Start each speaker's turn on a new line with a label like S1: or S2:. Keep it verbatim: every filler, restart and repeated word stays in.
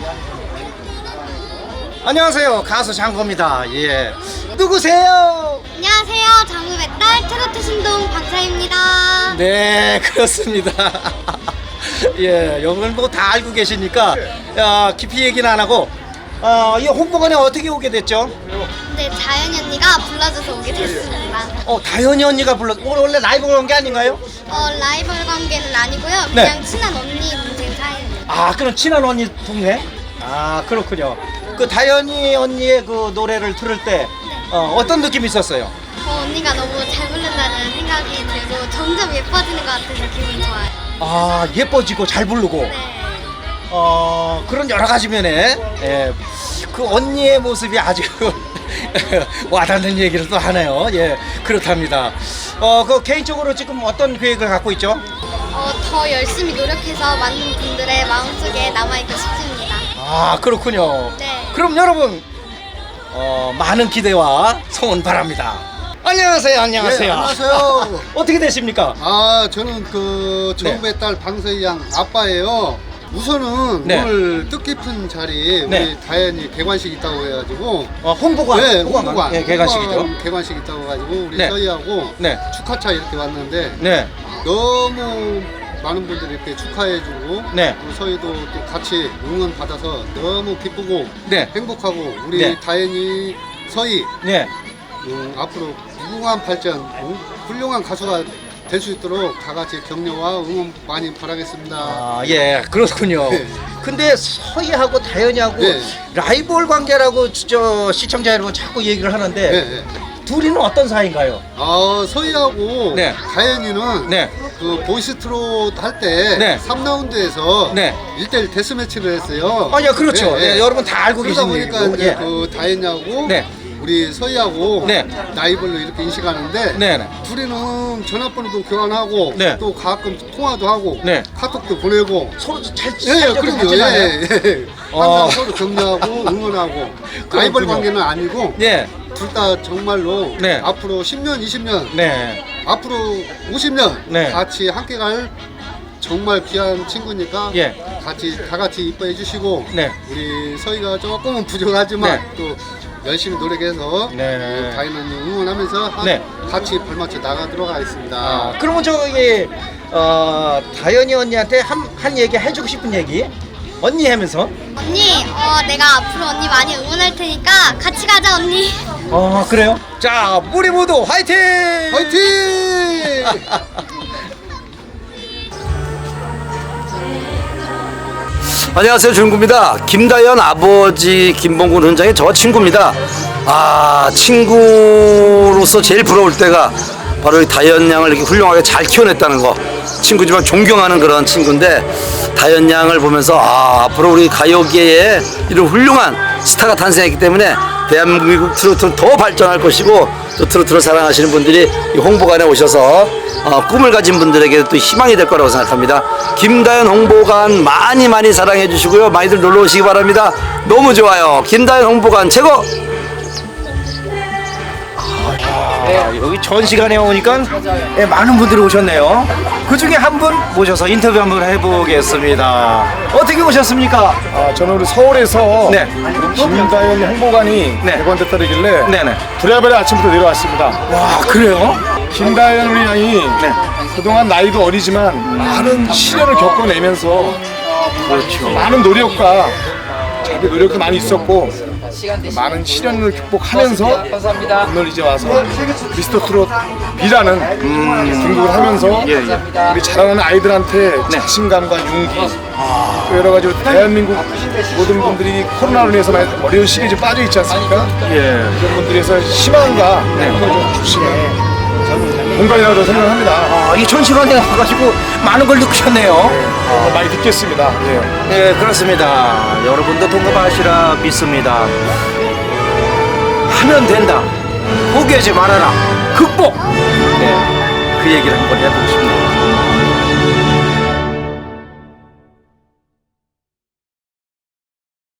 S1: 안녕하세요, 가수 장고입니다. 예, 누구세요?
S2: 안녕하세요. 장우의 딸 트로트 신동 박사입니다.
S1: 네, 그렇습니다. 예, 여러분 뭐 다 알고 계시니까 야, 깊이 얘기는 안 하고 어, 이 홍보관에 어떻게 오게 됐죠?
S2: 네, 자연이 언니가 불러줘서 오게 됐습니다.
S1: 어, 다현이 언니가 불러. 원래 라이브 그런 게 아닌가요?
S2: 어, 라이벌 관계는 아니고요.
S1: 네.
S2: 그냥 친한 언니 동생 사이입니다.
S1: 아, 그럼 친한 언니 동생? 아, 그렇군요. 그 다현이 언니의 그 노래를 들을 때 어, 어떤 느낌이 있었어요?
S2: 어, 언니가 너무 잘 부른다는 생각이 들고 점점 예뻐지는 것 같아서 기분이 좋아요.
S1: 아, 예뻐지고 잘 부르고
S2: 네.
S1: 어, 그런 여러 가지 면에 예, 그 언니의 모습이 아주 와닿는 얘기를 또 하네요. 예, 그렇답니다. 어, 그 개인적으로 지금 어떤 계획을 갖고 있죠?
S2: 어, 더 열심히 노력해서 많은 분들의 마음속에 남아있고 싶습니다.
S1: 아, 그렇군요.
S2: 네.
S1: 그럼 여러분 어, 많은 기대와 소원 바랍니다. 안녕하세요. 안녕하세요.
S3: 네, 안녕하세요.
S1: 어떻게 되십니까?
S3: 아, 저는 그
S1: 네.
S3: 정부의 딸 방서희 양 아빠예요. 우선은
S1: 네.
S3: 오늘 뜻깊은 자리에
S1: 네.
S3: 우리 다현이 개관식 있다고 해가지고
S1: 어, 홍보관.
S3: 네,
S1: 홍보관.
S3: 홍보관.
S1: 예, 개관식이죠.
S3: 홍보관 개관식 있다고 해가지고 우리
S1: 네.
S3: 서희하고
S1: 네.
S3: 축하차 이렇게 왔는데
S1: 네.
S3: 너무 많은 분들이 이렇게 축하해주고
S1: 네.
S3: 우리 서희도 또 같이 응원 받아서 너무 기쁘고
S1: 네.
S3: 행복하고 우리
S1: 네.
S3: 다현이 서희
S1: 네.
S3: 음, 앞으로 무궁한 발전, 음, 훌륭한 가수가 될 수 있도록 다 같이 격려와 응원 많이 바라겠습니다.
S1: 아, 예, 그렇군요.
S3: 네.
S1: 근데 서희하고 다현이하고
S3: 네.
S1: 라이벌 관계라고 저 시청자 여러분 자꾸 얘기를 하는데
S3: 네, 네.
S1: 둘이는 어떤 사이인가요?
S3: 아, 서희하고
S1: 네.
S3: 다현이는
S1: 네.
S3: 그 보이스트롯 할 때
S1: 네.
S3: 삼 라운드에서
S1: 네.
S3: 일 대일 데스매치를 했어요.
S1: 아, 예, 그렇죠. 예, 여러분 다 알고
S3: 그러다
S1: 계신
S3: 보니까
S1: 얘기고.
S3: 이제
S1: 예.
S3: 그 다현이하고
S1: 네.
S3: 우리 서희하고
S1: 네.
S3: 나이별로 이렇게 인식하는데
S1: 네, 네.
S3: 둘이는 전화번호도 교환하고
S1: 네.
S3: 또 가끔 통화도 하고
S1: 네.
S3: 카톡도 보내고
S1: 서로 잘
S3: 예,
S1: 살려고
S3: 그럼요.
S1: 하잖아요.
S3: 예, 예. 항상
S1: 어.
S3: 서로 격려하고 응원하고 라이벌
S1: 그렇군요.
S3: 관계는 아니고
S1: 예.
S3: 둘 다 정말로
S1: 네.
S3: 앞으로 십 년, 이십 년,
S1: 네.
S3: 앞으로 오십 년
S1: 네.
S3: 같이 함께 갈 정말 귀한 친구니까
S1: 예.
S3: 같이 다 같이 이뻐해 주시고
S1: 네.
S3: 우리 서희가 조금은 부족하지만
S1: 네.
S3: 또 열심히 노력해서
S1: 네.
S3: 다이는 응원하면서 하-
S1: 네.
S3: 같이 발맞춰 나가도록 하겠습니다.
S1: 아, 그러면 저기 어, 다현이 언니한테 한, 한 얘기 해주고 싶은 얘기 언니 하면서
S2: 언니, 어, 내가 앞으로 언니 많이 응원할 테니까 같이 가자, 언니.
S1: 어, 그래요? 자, 우리 모두 화이팅!
S3: 화이팅!
S4: 안녕하세요, 준구입니다. 김다현 아버지 김봉군 원장이 저 친구입니다. 아, 친구로서 제일 부러울 때가 바로 이 다현 양을 이렇게 훌륭하게 잘 키워냈다는 거. 친구지만 존경하는 그런 친구인데 다현 양을 보면서 아, 앞으로 우리 가요계에 이런 훌륭한 스타가 탄생했기 때문에 대한민국 트로트는 더 발전할 것이고 또 트로트를 사랑하시는 분들이 이 홍보관에 오셔서 어, 꿈을 가진 분들에게 또 희망이 될 거라고 생각합니다. 김다현 홍보관 많이 많이 사랑해 주시고요. 많이들 놀러 오시기 바랍니다. 너무 좋아요. 김다현 홍보관 최고!
S1: 아, 여기 전 시간에 오니까 예, 많은 분들이 오셨네요. 그 중에 한 분 모셔서 인터뷰 한번 해보겠습니다. 어떻게 오셨습니까?
S5: 아, 저는 우리 서울에서
S1: 네.
S5: 우리 김다현 홍보관이
S1: 네.
S5: 개관됐다길래
S1: 네네.
S5: 부랴부랴 아침부터 내려왔습니다.
S1: 와, 그래요?
S5: 김다현 우리 양이
S1: 네.
S5: 그동안 나이도 어리지만 많은 시련을 겪어내면서 그렇죠. 많은 노력과 자기 노력도 많이 있었고 많은 시련을 극복하면서 오늘 이제 와서 미스터 트롯 B라는 등극을 하면서
S1: 예, 예.
S5: 우리 자라나는 아이들한테 자신감과 용기 또 여러 가지 대한민국 모든 분들이 코로나로 인해서 많이 어려운 시기에 좀 빠져 있지 않습니까?
S1: 예.
S5: 이런 분들에서 희망과 힘을 좀 주시는 공간이라고 생각합니다.
S1: 아, 이 전 시간에 와가지고 많은 걸 느끼셨네요.
S5: 어, 많이 듣겠습니다. 예.
S1: 네, 그렇습니다. 여러분도 동감하시라 믿습니다. 하면 된다. 포기하지 말아라. 극복. 네, 그 얘기를 한번 해보고 싶네요.